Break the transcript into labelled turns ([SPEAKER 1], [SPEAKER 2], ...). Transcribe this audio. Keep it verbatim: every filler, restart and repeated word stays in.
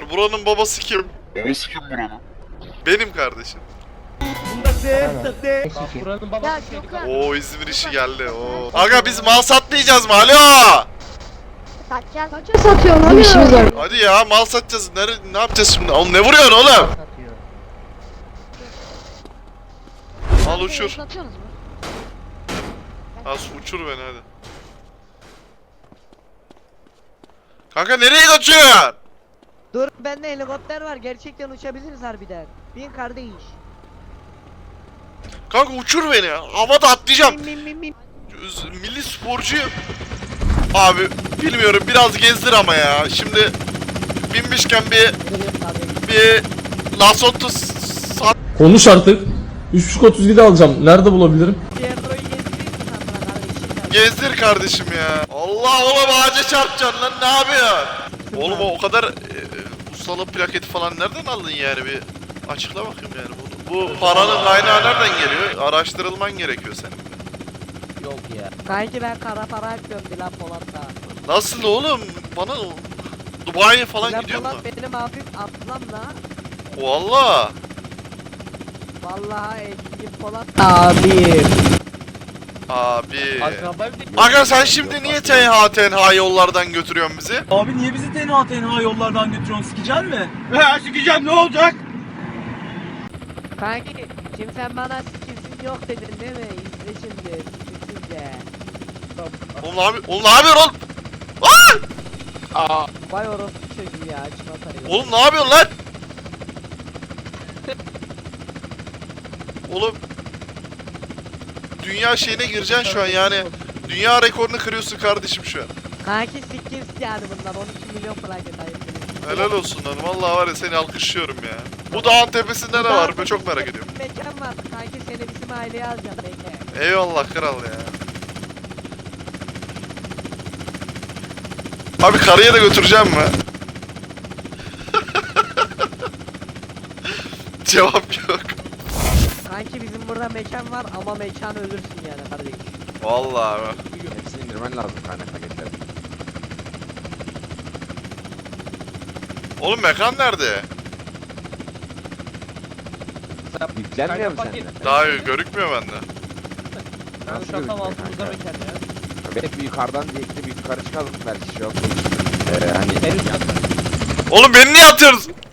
[SPEAKER 1] var. Buranın babası kim? Babası kim buranın? Benim kardeşim.
[SPEAKER 2] Buranın babası Gökhan.
[SPEAKER 1] Oo İzmir işi geldi. Oo. Aga biz mal satmayacağız mı? Alo.
[SPEAKER 3] Satacağız. Kaça satıyorsun? Hadi işimiz var.
[SPEAKER 1] Hadi ya mal satacağız. Nere, ne yapacağız şimdi? Oğlum ne vuruyorsun oğlum? Al uçur.
[SPEAKER 3] Satıyorsunuz mu?
[SPEAKER 1] Al uçur beni hadi. Kanka nereye kaçıyorsun?
[SPEAKER 4] Dur, bende helikopter var. Gerçekten uçabiliriz harbiden. Bin kardeş.
[SPEAKER 1] Kanka uçur beni ya. Havada atlayacağım.
[SPEAKER 4] Bin bin bin bin.
[SPEAKER 1] Milli sporcuyum. Abi bilmiyorum biraz gezdir ama ya. Şimdi binmişken bir bir Lasotto sat.
[SPEAKER 5] Konuş artık. üç buçuk otuz yedi alacağım. Nerede bulabilirim?
[SPEAKER 4] Diğerroyu gezdireyim mi sana kardeşim?
[SPEAKER 1] Gezdir kardeşim ya. Allah oğlum ağaca çarpacaksın lan ne yapıyorsun? Oğlum o kadar e, ustalık plaketi falan nereden aldın yani bir açıkla bakayım yani bunu. Bu paranın kaynağı nereden geliyor? Araştırılman gerekiyor senin.
[SPEAKER 2] Yok ya.
[SPEAKER 4] Kanki ben kara para yapıyorum Dilan Polat'ta.
[SPEAKER 1] Nasıl oğlum? Bana Dubai'ye falan
[SPEAKER 4] Dilan
[SPEAKER 1] gidiyor mu?
[SPEAKER 4] Polat benim abim ablam da.
[SPEAKER 1] Valla.
[SPEAKER 4] Vallahi Engin Polat abim.
[SPEAKER 1] Abi.
[SPEAKER 2] Akraba bir
[SPEAKER 1] Aga sen şimdi niye tenha tenha yollardan götürüyorsun bizi?
[SPEAKER 6] Abi niye bizi tenha tenha yollardan götürüyorsun, sikeceksin mi? He sikeceğim, ne olacak?
[SPEAKER 4] Kanki şimdi sen bana sikimsin yok dedin değil mi? İzle şimdi sikimsizce.
[SPEAKER 1] Oğlum abi, oğlum ne yapıyorsun oğlum? Aa!
[SPEAKER 4] Vay orospu çocuğu ya çimatayı.
[SPEAKER 1] Oğlum ne yapıyorsun lan? Oğlum dünya şeyine gireceksin şu an yani. Dünya rekorunu kırıyorsun kardeşim şu an.
[SPEAKER 4] Kanki sikimsiz yani bunlar on iki milyon plaket ayıp.
[SPEAKER 1] Helal olsun lan. Vallahi var ya seni alkışlıyorum ya. Bu dağın tepesinde ne var? Ben çok merak ediyorum.
[SPEAKER 4] Mekan var kanki seni bizim aileye alacağım bekle.
[SPEAKER 1] Eyvallah kral ya. Abi karıya da götüreceğim mi? Cevap yok.
[SPEAKER 4] Kanki bizim burada mekan var ama mekan ölürsün yani kardeş.
[SPEAKER 1] Vallahi abi.
[SPEAKER 7] Hepsini indirmen lazım kaynak paketleri.
[SPEAKER 1] Oğlum mekan nerede?
[SPEAKER 7] Yüklenmiyor mu
[SPEAKER 2] paket.
[SPEAKER 7] sende?
[SPEAKER 1] Daha görükmüyor bende.
[SPEAKER 2] Ben
[SPEAKER 7] Nasıl
[SPEAKER 2] şu an tam
[SPEAKER 7] görünüyor
[SPEAKER 2] altımızda
[SPEAKER 7] kanka?
[SPEAKER 2] mekan ya.
[SPEAKER 7] Belki bir yukarıdan diyekli bir yukarı çıkalım belki şey yok. Ee, hani
[SPEAKER 2] En üst kat.
[SPEAKER 1] Oğlum beni niye atıyorsunuz?